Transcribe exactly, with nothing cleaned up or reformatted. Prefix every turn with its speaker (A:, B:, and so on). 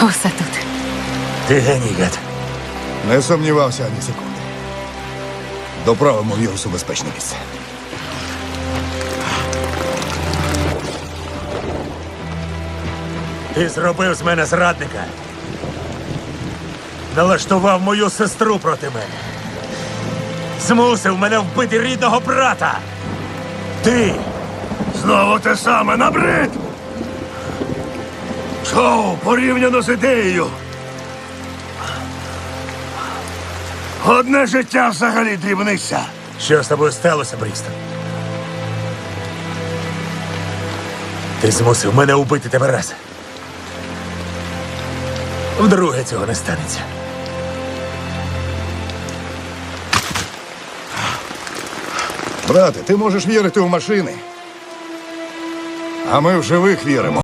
A: Усе тут.
B: Ти геній, Гет.
C: Не сумнівався ані секунди. Доправимо вірус у безпечне місце.
B: Ти зробив з мене зрадника. Налаштував мою сестру проти мене. Змусив мене вбити рідного брата. Ти!
D: Знову те саме, набрид! Шоу порівняно з ідеєю. Одне життя взагалі дрібниця.
B: Що з тобою сталося, Брістон? Ти змусив мене вбити тебе раз. Вдруге цього не станеться.
C: Брате, ти можеш вірити в машини. А ми в живих віримо.